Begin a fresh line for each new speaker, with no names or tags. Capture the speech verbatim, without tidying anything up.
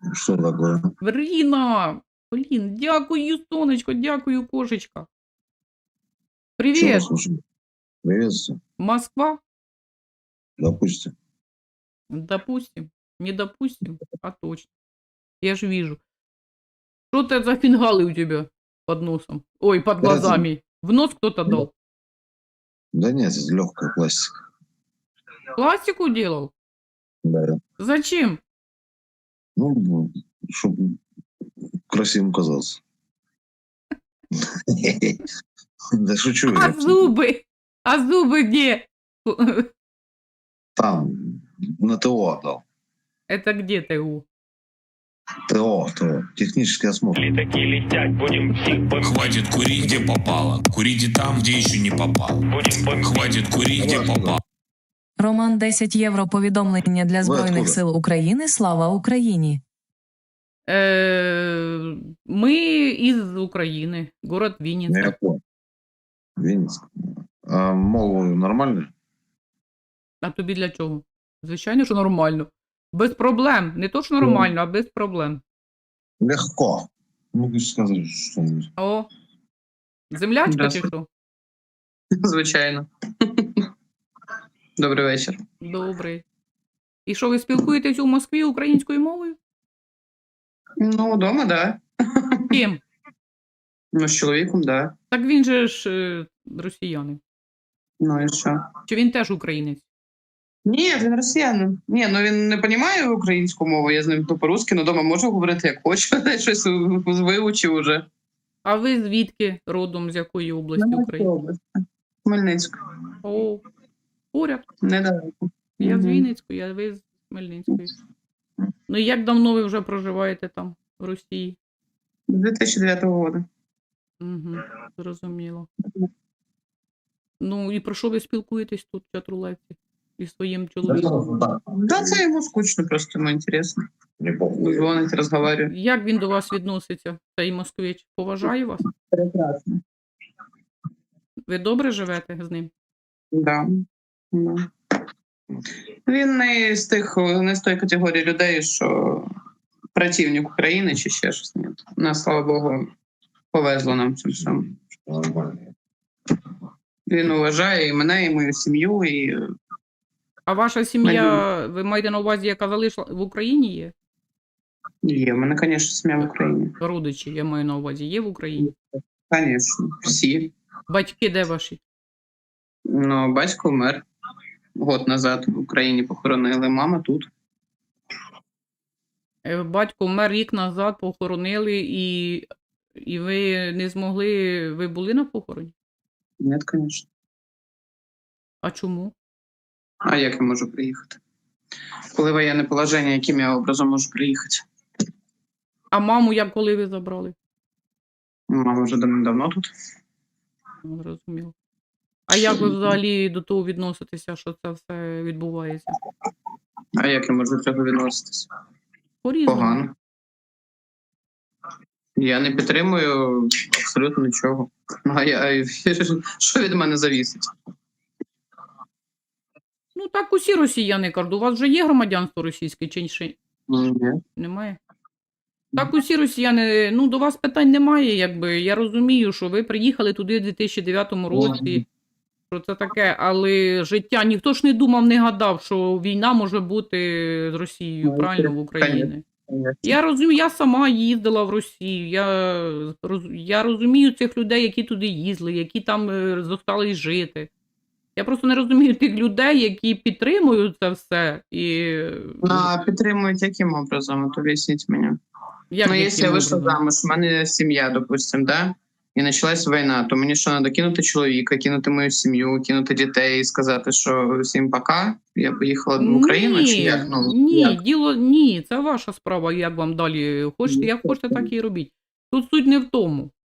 Что такое?
Ріна! Блін, дякую, сонечко, дякую, кошечка.
Что
Привіт!
вас слушаю? Приветствую.
Москва?
Допустим.
Допустим. Не допустим, а точно. Я ж вижу. Что это за фингалы у тебя под носом? Ой, под
Это-
глазами. В нос кто-то дал?
Да нет, это легкая пластика.
Пластику делал?
Да.
Зачем?
Ну, чтобы красивым казался. Да шучу
А
я.
зубы? А зубы где?
Там, на ТО отдал.
Это где ТУ?
ТО, ТО. Технический осмотр.
Такие летят, будем всех
Хватит курить, где попало. Курите там, где еще не попал.
будем
Хватит курить, где попало.
Роман десять євро повідомлення для Збройних
откуда?
сил України. Слава Україні!
Э, Мы из Украины, город
Ну,
Винница.
я понял. Винницк. А мову нормально?
А тобі для чого? Звичайно, що нормально. Без проблем. Не то, що нормально, а без проблем.
Легко. Могу сказать что-нибудь.
О, землячка чи
Здравствуй.
що?
Звичайно. Добрий вечір.
Добрий. І що, ви спілкуєтесь у Москві українською мовою?
Ну, вдома, да.
Ким?
Ну, з чоловіком, да.
Так він же ж е, росіянин.
Ну і що?
Чи він теж українець?
Ні, він росіянин. Ні, ну він не розуміє українську мову, я з ним то по-русски, але вдома можу говорити як хочу, щось вивчив уже.
А ви звідки родом, з якої області України?
Хмельницька.
О, поряд.
Недалеко.
Я з
Мгм.
Вінницької, а ви з Хмельницької. Ну і як давно ви вже проживаєте там, в Росії?
З дві тисячі дев'ятого року.
Угу, зрозуміло. Ну і про що ви спілкуєтесь тут, в чатрулевці? Із своїм чоловіком?
Да, це йому скучно, просто йому інтересно.
Не похуй.
Дзвонить, розмовляє.
Як він до вас відноситься, цей москвич? Поважає вас?
Прекрасно.
Ви добре живете з ним?
Да. Да. Він не з тих, не з тої категорії людей, що противник України чи ще щось. Ні. Нас, слава Богу, повезло нам цим всьому.
Нормально.
Він уважає і мене, і мою сім'ю, і
А ваша сім'я, ви маєте на увазі, яка залишила в Україні є?
є. У мене, звісно, сім'я в Україні.
Родичі, я маю на увазі, є в Україні?
Звісно, всі.
Батьки де ваші?
Ну, батько вмер год назад в Україні похоронили, мама тут.
Е, Батько вмер рік назад, похоронили, і, і ви не змогли, ви були на похороні?
Ні, звісно.
А чому?
А як я можу приїхати? Коли воєнне положення, яким я образом можу приїхати?
А маму як коли ви забрали?
Мама вже давно тут.
Ну, зрозуміло. А як ви взагалі до того відноситеся, що це все відбувається?
А як я можу до цього відноситися?
По-різному.
Погано. Я не підтримую абсолютно нічого. Ну, а я, що від мене завісить?
Ну так усі росіяни кажуть, у вас вже є громадянство російське чи ще
Ні.
немає? Так усі росіяни, ну до вас питань немає, якби. Я розумію, що ви приїхали туди в дві тисячі дев'ятому році, що це таке, але життя, ніхто ж не думав, не гадав, що війна може бути з Росією,
Ну,
правильно, в Україні. Я розумію, я сама їздила в Росію, я, роз- я розумію цих людей, які туди їздили, які там е, зостались жити. Я просто не розумію тих людей, які підтримують це все. І
Ну, а підтримують яким образом? От об'ясніть мені.
як
Ну,
яким
якщо я вийшла
образом?
замуж, у мене сім'я, допустим, да? І почалась війна, то мені що, треба кинути чоловіка, кинути мою сім'ю, кинути дітей і сказати, що всім пока, я поїхала в Україну,
ні,
чи як? Ну,
ні,
як?
діло, ні, це ваша справа, як вам далі хочете, як хочете, так і робіть. Тут суть не в тому.